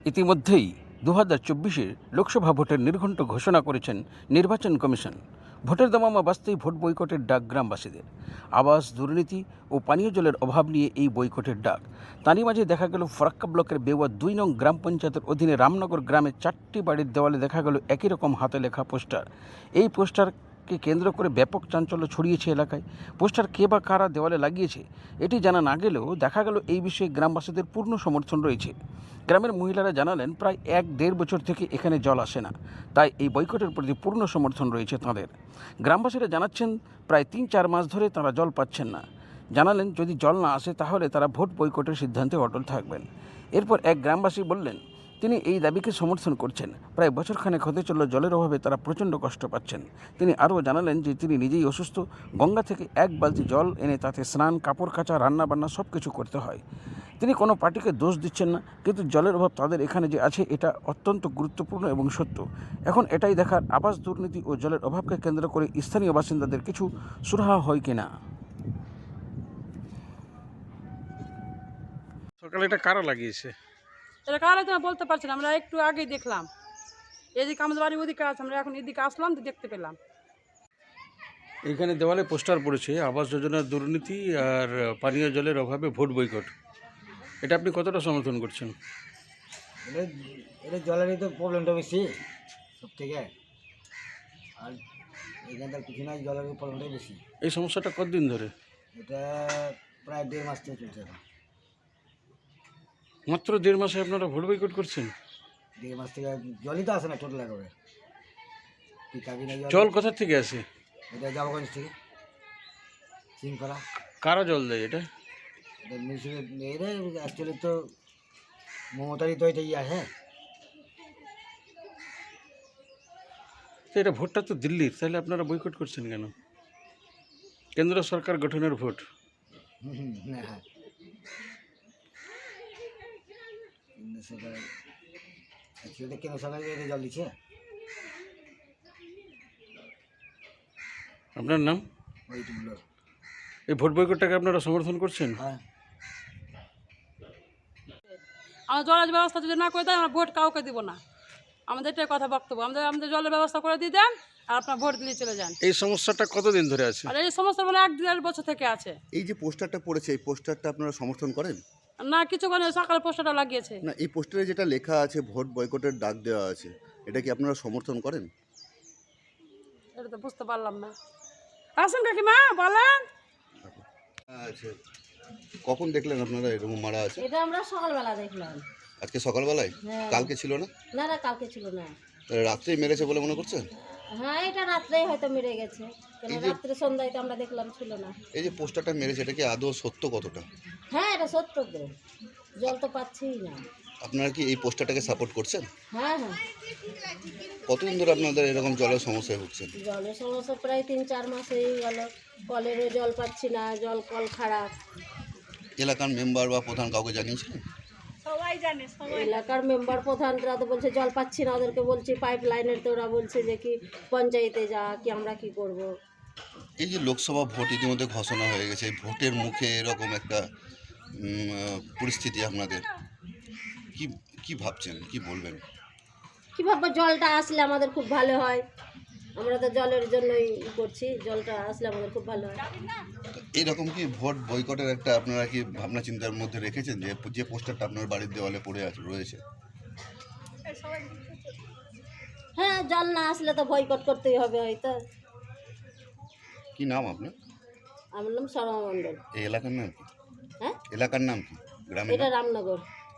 ইতিমধ্যেই 2024-এর লোকসভা ভোটের নির্ঘণ্ট ঘোষণা করেছেন নির্বাচন কমিশন। ভোটের দামামা বাঁচতেই ভোট বয়কটের ডাক গ্রামবাসীদের। আবাস, দুর্নীতি ও পানীয় জলের অভাব নিয়ে এই বয়কটের ডাক। তারই মাঝে দেখা গেল ফরাক্কা ব্লকের বেওয়া 2 নং গ্রাম পঞ্চায়েতের অধীনে রামনগর গ্রামে 4টি বাড়ির দেওয়ালে দেখা গেল একই রকম হাতে লেখা পোস্টার। এই পোস্টারকে কেন্দ্র করে ব্যাপক চাঞ্চল্য ছড়িয়েছে এলাকায়। পোস্টার কে বা কারা দেওয়ালে লাগিয়েছে এটি জানা না গেলেও দেখা গেল এই বিষয়ে গ্রামবাসীদের পূর্ণ সমর্থন রয়েছে। গ্রামের মহিলারা জানালেন, প্রায় 1-1.5 বছর থেকে এখানে জল আসে না, তাই এই বয়কটের প্রতি পূর্ণ সমর্থন রয়েছে তাঁদের। গ্রামবাসীরা জানাচ্ছেন, প্রায় 3-4 মাস ধরে তারা জল পাচ্ছেন না। জানালেন, যদি জল না আসে তাহলে তারা ভোট বয়কটের সিদ্ধান্তে অটল থাকবেন। এরপর এক গ্রামবাসী বললেন, তিনি এই দাবিকে সমর্থন করছেন। প্রায় বছরখানেক হতে চলল জলের অভাবে তারা প্রচণ্ড কষ্ট পাচ্ছেন। তিনি আরও জানালেন যে তিনি নিজেই অসুস্থ। গঙ্গা থেকে 1 বালতি জল এনে তাতে স্নান, কাপড় কাচা, রান্নাবান্না সব কিছু করতে হয়। তিনি কোনো পার্টিকে দোষ দিচ্ছেন না, কিন্তু জলের অভাব তাদের এখানে যে আছে এটা অত্যন্ত গুরুত্বপূর্ণ এবং সত্য। এখন এটাই দেখার, আবাস, দুর্নীতি ও জলের অভাবকে কেন্দ্র করে স্থানীয় বাসিন্দাদের কিছু সুরাহা হয় কিনা। সকালে এটা কারা লাগিয়েছে? এটা কারা তো বলতে পারছি না, আমরা একটু আগেই দেখলাম। এদিকে আমাদের বাড়ি ওদিকে আছে, আমরা এখন এদিকে আসলাম তো দেখতে পেলাম। এইখানে দেওয়ালে পোস্টার পড়েছে, আবাস যোজনার দুর্নীতি আর পানীয় জলের অভাবে ভোট বয়কট। এটা আপনি কতটা সমর্থন করছেন? এটা জলেরই তো প্রবলেমটা বেশি সব থেকে, আর এখানটার কিছু নাই, জলের প্রবলেমটাই বেশি। এই সমস্যাটা কতদিন ধরে? এটা প্রায় 1.5 মাস থেকে চলছে এখন। মাত্র 1.5 মাসে আপনারা ভোট বয়কট করছেন? 1.5 মাস থেকে জলই তো আসে না টোটাল একেবারে। জল কোথা থেকে আসে? এটা জামাগঞ্জ থেকে সিংকরা। কারা জল দেয় এটা? এটা মিউনিসিপ্যাল, এটা অ্যাকচুয়ালি তো মমতারই তো এটা ইয়ে হ্যাঁ। তো এটা ভোটটা তো দিল্লির, তাহলে আপনারা বয়কট করছেন কেন? কেন্দ্র সরকার গঠনের ভোট। হ্যাঁ, কেন্দ্র সরকার অ্যাকচুয়ালি কেন্দ্র সরকার এটা জল দিচ্ছে। আপনার নাম? ওইটুকুলো। এই ভোট বয়কটটাকে আপনারা সমর্থন করছেন? হ্যাঁ, আমরা জলের ব্যবস্থা যদি না করে দেয় আমরা ভোট কাউকে দিব না। আমাদের এটাই কথা বক্তব্য, আমাদের জলের ব্যবস্থা করে দিয়ে দেন আর আপনার ভোট দিয়ে চলে যান। এই সমস্যাটা কতদিন ধরে আছে? আর এই সমস্যা মানে 1-1.5 বছর থেকে আছে। এই যে পোস্টারটা পড়েছে, এই পোস্টারটা আপনারা সমর্থন করেন? না, কিছুক্ষণ সকালে পোস্টারটা লাগিয়েছে। না, এই পোস্টারে যেটা লেখা আছে ভোট বয়কটের ডাক দেওয়া আছে, এটা কি আপনারা সমর্থন করেন? এটা তো বুঝতে পারলাম না। আসুন কাকিমা, বলেন। আচ্ছা, কখন দেখলেন আপনারা এরকম মারা আছে? এটা আমরা সকালবেলা দেখলাম। আজকে সকালবেলায়? হ্যাঁ। কালকে ছিল না? না না, কালকে ছিল না। তাহলে রাত্রেই মেরেছে বলে মনে করছেন? হ্যাঁ, এটা রাত্রেই হয়তো মেরে গেছে, কেন এই যে- রাত্রে সন্ধ্যায় তো আমরা দেখলাম ছিল না। এই যে পোস্টারটা মেরেছে, এটা কি আদৌ সত্য কতটা? হ্যাঁ, এটা সত্য তো, জল তো পাচ্ছিই না। আপনারা কি এই পোস্টারটাকে সাপোর্ট করছেন? হ্যাঁ হ্যাঁ, কতদিন ধরে আপনাদের এরকম জলের সমস্যায় ভুগছেন? জলের সমস্যা প্রায় 3-4 মাস হয়ে গেল। কলেরও জল পাচ্ছি না, কল খারাপ। এলাকার মেম্বার বা প্রধান কাউকে জানিয়েছিলেন? এলাকার মেম্বার প্রধানরা তো বলছে জল পাচ্ছি না, ওদেরকে বলছি পাইপ লাইনের, তো ওরা বলছে যে কি পঞ্চায়েতে যা, কি আমরা কি করব। এই যে লোকসভা ভোট ইতিমধ্যে ঘোষণা হয়ে গেছে, এই ভোটের মুখে এরকম একটা পরিস্থিতি আপনাদের, কি কি ভাবছেন, কি বলবেন? কী ভাববো, জলটা আসলে আমাদের খুব ভালো হয়। আমরা তো জলের জন্যই করছি, জলটা আসলে আমাদের খুব ভালো হয়। এইরকম কি ভোট বয়কটের একটা আপনারা কি ভাবনা চিন্তার মধ্যে রেখেছেন, যে যে পোস্টারটা আপনার বাড়ির দেওয়ালে পড়ে আছে রয়েছে? হ্যাঁ, জল না আসলে তো বয়কট করতেই হবে হয়তো। কি নাম আপনার? আমার নাম শর্মা মণ্ডল। এই এলাকার নাম কি? হ্যাঁ, এলাকার নাম কি? গ্রামের এটা নাম? রামনগর।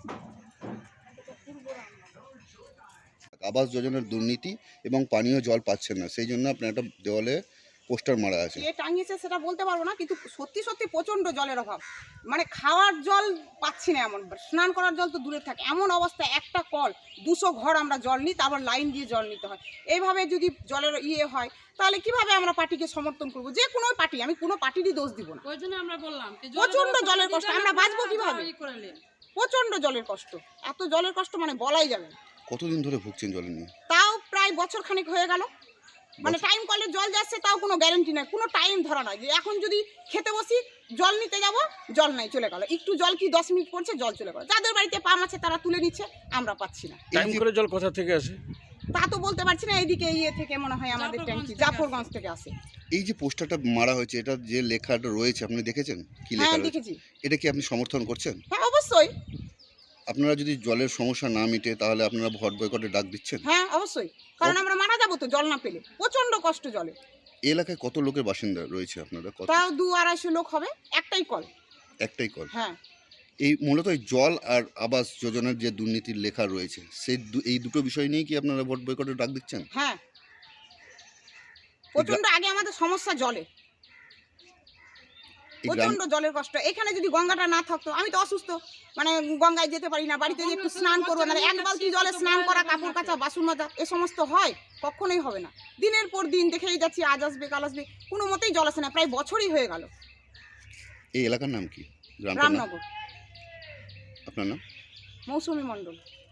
আবাস যোজনার দুর্নীতি এবং পানীয় জল পাচ্ছেন না, সেই জন্য আপনার একটা দেওয়ালে পোস্টার মারা আছে। কে টাঙিয়েছে সেটা বলতে পারবো না, কিন্তু সত্যি সত্যি প্রচণ্ড জলের অভাব। মানে খাওয়ার জল পাচ্ছি না, এমন স্নান করার জল তো দূরে থাকে, এমন অবস্থা। একটা কল 200 ঘর আমরা জল নিই, তারপর লাইন দিয়ে জল নিতে হয়। এইভাবে যদি জলের হয় তাহলে কিভাবে আমরা পার্টিকে সমর্থন করবো? যে কোনো পার্টি, আমি কোনো পার্টিরই দোষ দিব না। ওই জন্য আমরা বললাম প্রচণ্ড জলের কষ্ট, আমরা বাঁচবো কিভাবে? প্রচণ্ড জলের কষ্ট, এত জলের কষ্ট মানে বলাই যাবে না। কতদিন ধরে ভুগছেন জল নিয়ে? তাও প্রায় বছর খানেক হয়ে গেল। মানে টাইম কলের জল যাচ্ছে তাও কোনো গ্যারেন্টি নাই, কোনো টাইম ধরা নাই যে এখন যদি খেতে বসি জল নিতে যাব জল নাই চলে গেল, একটু জল কি 10 মিনিট পড়ছে জল চলে গেল। যাদের বাড়িতে পাম্প আছে তারা তুলে নিচ্ছে, আমরা পাচ্ছি না। টাইম করে জল কোথা থেকে আসে? তা তো বলতে পারছি না, এইদিকে থেকে মনে হয় আমাদের ট্যাঙ্কি জাফরগঞ্জ থেকে আসে। এই যে পোস্টারটা মারা হয়েছে, এটা যে লেখাটা রয়েছে আপনি দেখেছেন কি লেখা হ্যাঁ রয়েছে? দেখেছি। এটা কি আপনি সমর্থন করছেন? হ্যাঁ অবশ্যই। আপনারা যদি জলের সমস্যা না মিটে তাহলে আপনারা ভোট বয়কটের ডাক দিচ্ছেন? হ্যাঁ অবশ্যই, কারণ আমরা মারা যাবো তো জল না পেলে, প্রচন্ড কষ্ট জলে। এই এলাকায় কত লোকের বাসিন্দা রয়েছে আপনারা? কত? তাও 200-250 লোক হবে, একটাই কল। একটাই কল? হ্যাঁ। এই মূলত এই জল আর আবাস যোজনার যে দুর্নীতির লেখা রয়েছে সেই এই দুটো বিষয় নিয়ে কি আপনারা ভোট বয়কটের ডাক দিচ্ছেন? হ্যাঁ প্রচন্ড আগে আমাদের সমস্যা জলে, প্রচন্ড জলের কষ্ট। এখানে যদি গঙ্গাটা না থাকতো, আমি তো অসুস্থ, মানে গঙ্গায় যেতে পারি না, বাড়িতে যে একটু স্নান করবো না, এক বালতি জলে স্নান করা, কাপড় কাচা, বাসন মাজা, এ সমস্ত হয়? কখনোই হবে না। দিনের পর দিন দেখেই যাচ্ছি, আজ আসবে কাল আসবে, কোনো মতেই জল আসে না, প্রায় বছরই হয়ে গেল। এই এলাকার নাম কি? গ্রামটার নাম? রামনগর। আপনার নাম? মৌসুমী মণ্ডল।